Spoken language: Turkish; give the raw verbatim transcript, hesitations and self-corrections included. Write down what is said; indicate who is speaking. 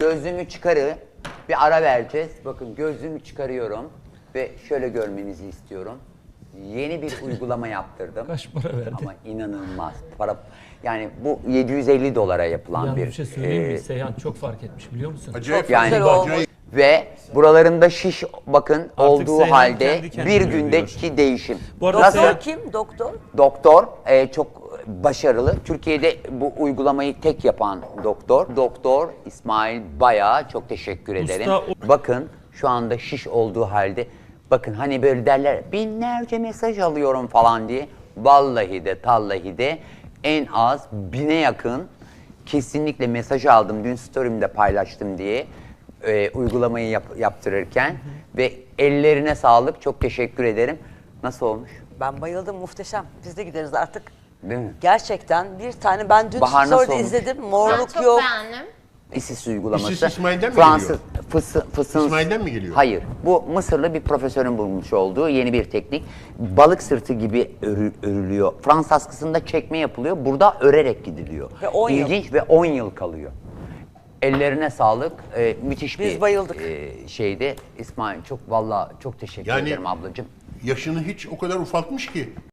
Speaker 1: Gözlüğümü çıkarı. Bir ara vereceğiz. Bakın gözlüğümü çıkarıyorum. Ve şöyle görmenizi istiyorum. Yeni bir uygulama yaptırdım.
Speaker 2: Kaç para verdi?
Speaker 1: Ama inanılmaz. Para, yani bu yedi yüz elli dolara yapılan
Speaker 2: Yalnız
Speaker 1: bir...
Speaker 2: bir şey söyleyeyim mi?
Speaker 1: e,
Speaker 2: Seyhan çok fark etmiş biliyor musun?
Speaker 3: Acayip
Speaker 1: Yani-
Speaker 3: güzel
Speaker 1: Çok
Speaker 3: olmuş.
Speaker 1: Ve buralarımda şiş bakın olduğu
Speaker 2: Seyhan
Speaker 1: halde
Speaker 2: kendi kendine
Speaker 1: bir
Speaker 2: görüyor.
Speaker 1: gündeki değişim.
Speaker 2: Bu arada
Speaker 1: Nasıl?
Speaker 2: Seyhan-
Speaker 4: Doktor kim? Doktor?
Speaker 1: Doktor e, çok başarılı. Türkiye'de bu uygulamayı tek yapan doktor. Doktor İsmail Bay'a çok teşekkür ederim.
Speaker 2: o-
Speaker 1: Bakın şu anda şiş olduğu halde bakın hani böyle derler binlerce mesaj alıyorum falan diye. Vallahi de tallahi de en az bine yakın kesinlikle mesaj aldım. Dün story'imde paylaştım diye e, uygulamayı yap- yaptırırken. Hı hı. Ve ellerine sağlık. Çok teşekkür ederim. Nasıl olmuş?
Speaker 4: Ben bayıldım, muhteşem. Biz de gideriz artık.
Speaker 1: Değil mi?
Speaker 4: Gerçekten bir tane ben dün
Speaker 1: Bahar nasıl
Speaker 4: story'de
Speaker 1: olmuş?
Speaker 4: izledim.
Speaker 5: Ben
Speaker 4: Morluk
Speaker 5: çok
Speaker 4: yok.
Speaker 5: beğendim.
Speaker 1: İSİS uygulaması.
Speaker 3: İSİS İsmail'den mi
Speaker 1: Fransız,
Speaker 3: geliyor?
Speaker 1: Fısı, fısın,
Speaker 3: İsmail'den mi geliyor?
Speaker 1: Hayır. Bu Mısırlı bir profesörün bulmuş olduğu yeni bir teknik. Balık sırtı gibi örü- örülüyor. Fransız askısında çekme yapılıyor. Burada örerek gidiliyor.
Speaker 4: Ve on yıl.
Speaker 1: İlginç ve on yıl kalıyor. Ellerine sağlık. Ee, müthiş
Speaker 4: Biz
Speaker 1: bir
Speaker 4: bayıldık.
Speaker 1: e, şeydi. İsmail çok vallahi çok teşekkür
Speaker 3: Yani-
Speaker 1: ederim ablacığım.
Speaker 3: Yaşını hiç o kadar ufaltmış ki.